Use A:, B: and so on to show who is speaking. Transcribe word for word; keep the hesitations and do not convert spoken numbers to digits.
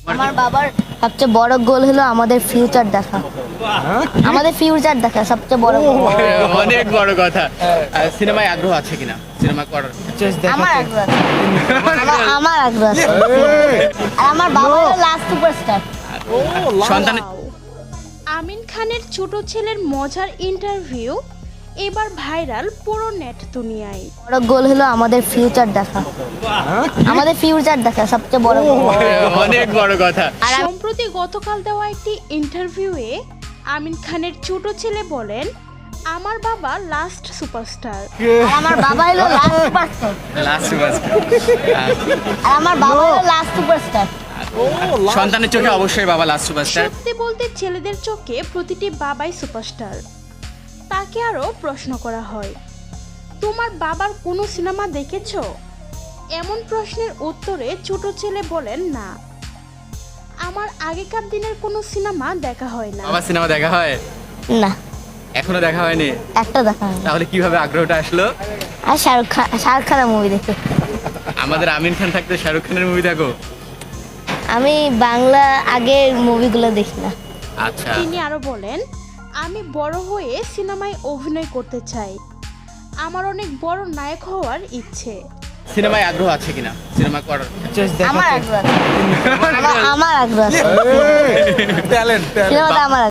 A: আমার বাবার সবচেয়ে বড় গোল হলো আমাদের ফিউচার দেখা। আমাদের ফিউচার দেখা সবচেয়ে বড় গোল।
B: অনেক বড় কথা। সিনেমায় আগ্রহ আছে কিনা সিনেমা করার?
A: আমার আগ্রহ আছে। আমার- আমার আগ্রহ আছে। আর আমার বাবা হলো লাস্ট সুপারস্টার।
B: সন্তানের
C: আমিন খানের ছোট ছেলের মজার ইন্টারভিউ এবার ভাইরাল পুরো নেট দুনিয়ায়।
A: বড় গোল হলো আমাদের ফিউচার দেখা। আমাদের ফিউচার দেখা সবচেয়ে বড় গোল।
B: অনেক বড় কথা।
A: আর আমি-
C: সম্প্রতি গতকাল দেওয়া একটি ইন্টারভিউয়ে আমিন খানের ছোট ছেলে বলেন, আমার বাবা লাস্ট সুপারস্টার।
A: আর আমার বাবা হলো লাস্ট সুপারস্টার।
B: Last superstar.
A: আর আমার বাবা হলো লাস্ট সুপারস্টার।
B: সন্তানের চোখে অবশ্যই বাবা লাস্ট সুপারস্টার।
C: সত্যি বলতে ছেলেদের চোখে প্রতিটি বাবাই সুপারস্টার। তাকে আরও প্রশ্ন করা হয়, তোমার বাবার কোনো সিনেমা দেখেছো? এমন প্রশ্নের উত্তরে ছোট ছেলে বলেন, না, আমার আগেকার দিনের কোনো সিনেমা দেখা হয় না।
B: বাবা সিনেমা দেখা হয়?
A: না,
B: এখনো দেখা হয়নি।
A: একটা দেখা হয়নি।
B: তাহলে কিভাবে আগ্রহটা আসলো?
A: আর শাহরুখ খান শাহরুখ খানের মুভি দেখে।
B: আমাদের আমিন খান থাকতে শাহরুখ খানের মুভি দেখো?
A: আমি বাংলা আগের মুভিগুলো দেখি না।
B: আচ্ছা।
C: তিনি আরো বলেন, আমি বড় হয়ে সিনেমায় অভিনয় করতে চাই। আমার অনেক বড় নায়ক হওয়ার ইচ্ছে।
B: সিনেমায় আগ্রহ আছে কিনা সিনেমা করার?
A: আমার আগ্রহ আছে। আমার- আমার আগ্রহ আছে।
D: ট্যালেন্ট
A: সিনেমাতে আমার